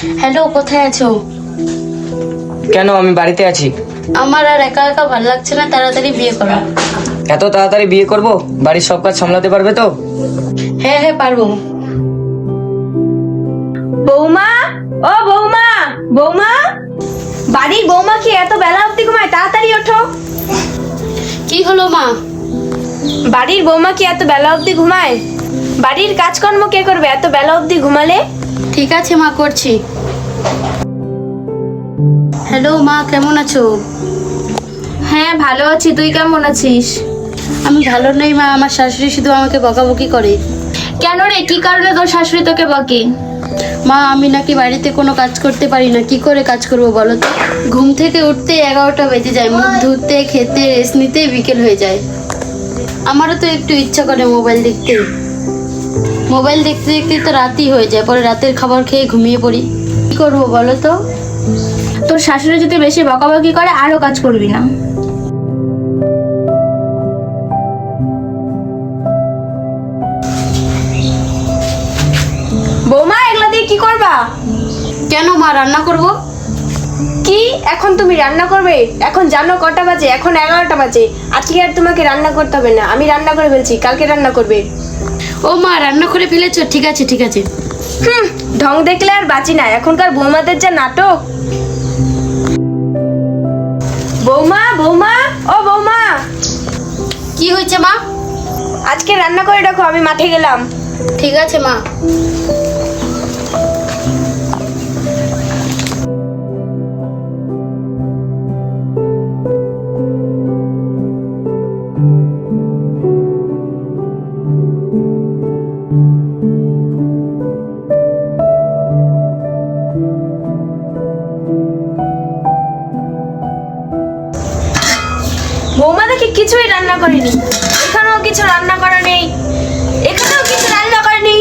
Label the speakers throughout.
Speaker 1: Hello, কোথায় আছো?
Speaker 2: কেন, আমি বাড়িতে আছি।
Speaker 1: আমার আর একা একা ভালো লাগছে না, তাড়াতাড়ি বিয়ে করো।
Speaker 2: এত তাড়াতাড়ি বিয়ে করব? বাড়ির সব কাজ সামলাতে পারবে তো?
Speaker 1: হ্যাঁ হ্যাঁ, পারবো।
Speaker 3: বৌমা, ও বৌমা, বৌমা, বাড়ির বৌমা কি এত বেলা অবধি ঘুমায়? তাড়াতাড়ি ওঠো।
Speaker 1: কি হলো মা?
Speaker 3: বাড়ির বৌমা কি এত বেলা অবধি ঘুমায়? বাড়ির কাজকর্ম কে করবে এত বেলা অবধি ঘুমালে?
Speaker 1: ঠিক আছে মা, করছি। হ্যালো মা, কেমন আছো?
Speaker 3: হ্যাঁ ভালো আছি, তুই কেমন আছিস?
Speaker 1: আমি ভালো নেই মা, আমার শাশুড়ি শুধু আমাকে বকাবকি করে।
Speaker 3: কেন রে, কি কারণে তোর শাশুড়ি তোকে বকে?
Speaker 1: মা, আমি নাকি বাড়িতে কোনো কাজ করতে পারি না। কি করে কাজ করবো বলো তো? ঘুম থেকে উঠতে 11টা বেজে যায়, মুখ ধুতে, খেতে, রেস্ট নিতে বিকেল হয়ে যায়। আমারও তো একটু ইচ্ছা করে মোবাইল দেখতে। মোবাইল দেখতে দেখতে তো রাতই হয়ে যায়, পরে রাতের খাবার খেয়ে ঘুমিয়ে পড়ি। কি করবো বলো তো?
Speaker 3: তোর শাশুড়ি যদি বেশি বকাবকি করে আরো কাজ করবি না। বৌমা, এগুলা দিয়ে কি করবা?
Speaker 1: কেন মা, রান্না করব।
Speaker 3: কি এখন তুমি রান্না করবে? এখন জানো কটা বাজে? এখন 11টা বাজে। আজকে আর তোমাকে রান্না করতে হবে না, আমি রান্না করে ফেলছি, কালকে রান্না করবে।
Speaker 1: ও মা, রান্না করে ফেলেছো? ঠিক আছে ঠিক আছে।
Speaker 3: ঢং দেখলে আর বাঁচি না, এখনকার বৌমাদের যা নাটক। বৌমা, বৌমা, ও বৌমা,
Speaker 1: কি হয়েছে মা?
Speaker 3: আজকে রান্না করে রাখো, আমি মাঠে গেলাম।
Speaker 1: ঠিক আছে মা।
Speaker 3: বৌমা দেখি কিছুই রান্না করেনি। এখানেও কিছু রান্না করা নেই, এখানেও কিছু রান্না করেনি।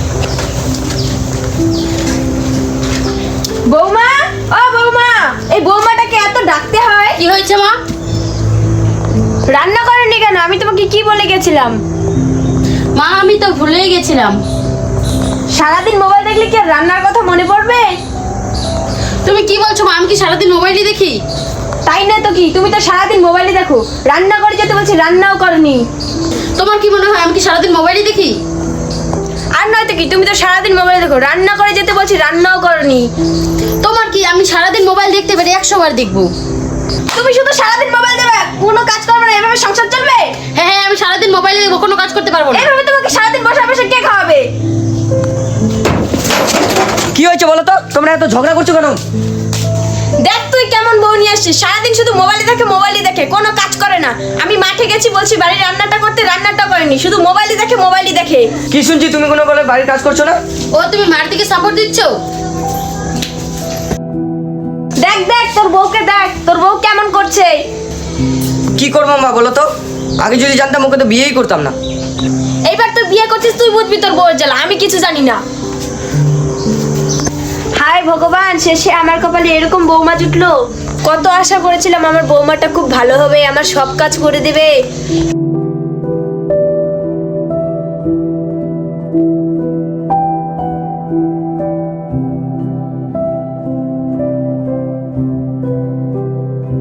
Speaker 3: বৌমা, ও বৌমা, এই বৌমাটাকে এত ডাকতে হয়?
Speaker 1: কি হয়েছে মা?
Speaker 3: রান্না করেনি কেন? আমি তোমাকে কি বলে গেছিলাম?
Speaker 1: মা, আমি তো ভুলেই গেছিলাম।
Speaker 3: সারাদিন মোবাইল দেখলে কি আর রান্নার কথা মনে পড়বে?
Speaker 1: তুমি কি বলছো মা? আমি কি সারাদিন মোবাইলই দেখি?
Speaker 3: তাই না তো কি, তুমি তো সারাদিন মোবাইলে দেখো। রান্না করে যেতে বলছি, রান্নাও করনি।
Speaker 1: তোমার কি মনে হয় আমি কি সারাদিন মোবাইলই দেখি?
Speaker 3: আর নয়তো কি, তুমি তো সারাদিন মোবাইলে দেখো। রান্না করে যেতে বলছি, রান্নাও করনি।
Speaker 1: তোমার কি, আমি সারাদিন মোবাইল দেখতে পারি 100 বার দেখবো।
Speaker 3: তুমি শুধু সারাদিন মোবাইল দেবে, কোনো কাজ করবে না, এভাবে সংসার চলবে?
Speaker 1: হ্যাঁ হ্যাঁ, আমি সারাদিন মোবাইলে দেখবো, কোনো কাজ করতে পারবো না।
Speaker 3: এভাবে তোমাকে সারাদিন বসে বসে কে খাওয়াবে?
Speaker 2: কি হয়েছে বলো তো? তোমরা এত ঝগড়া করছো কেন?
Speaker 3: দেখ তুই কেমন বউ নিয়ে আসছিস, সারাদিন শুধু মোবাইলে দেখে, মোবাইলে দেখে, কোনো কাজ করে না। আমি মাঠে গেছি বলছি বাড়ির রান্নাটা করতে, রান্নাটা করেনি, শুধু মোবাইলে দেখে, মোবাইলে দেখে।
Speaker 2: কি শুনছি তুমি কোনো বলে বাড়ির কাজ করছো না?
Speaker 1: ও, তুমি মার দিকে সাপোর্ট দিচ্ছ?
Speaker 3: দেখ দেখ তোর বউকে দেখ, তোর বউ কেমন করছে।
Speaker 2: কি করবো মা বলো তো? আগে যদি জানতাম ওকে তো বিয়েই করতাম না।
Speaker 3: এইবার তুই বিয়ে করছিস, তুই বুঝবি তোর বউয়ের জ্বালা, আমি কিছু জানি না। হায় ভগবান, শেষে আমার কপালে এরকম বৌমা জুটলো। কত আশা করেছিলাম আমার বৌমাটা খুব ভালো হবে, আমার সব কাজ করে দেবে।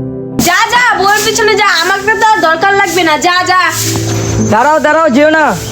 Speaker 3: যা যা, বউয়ের পিছনে যা, আমাকে তো আর দরকার লাগবে না, যা যা।
Speaker 2: দাঁড়াও দাঁড়াও, যেও না।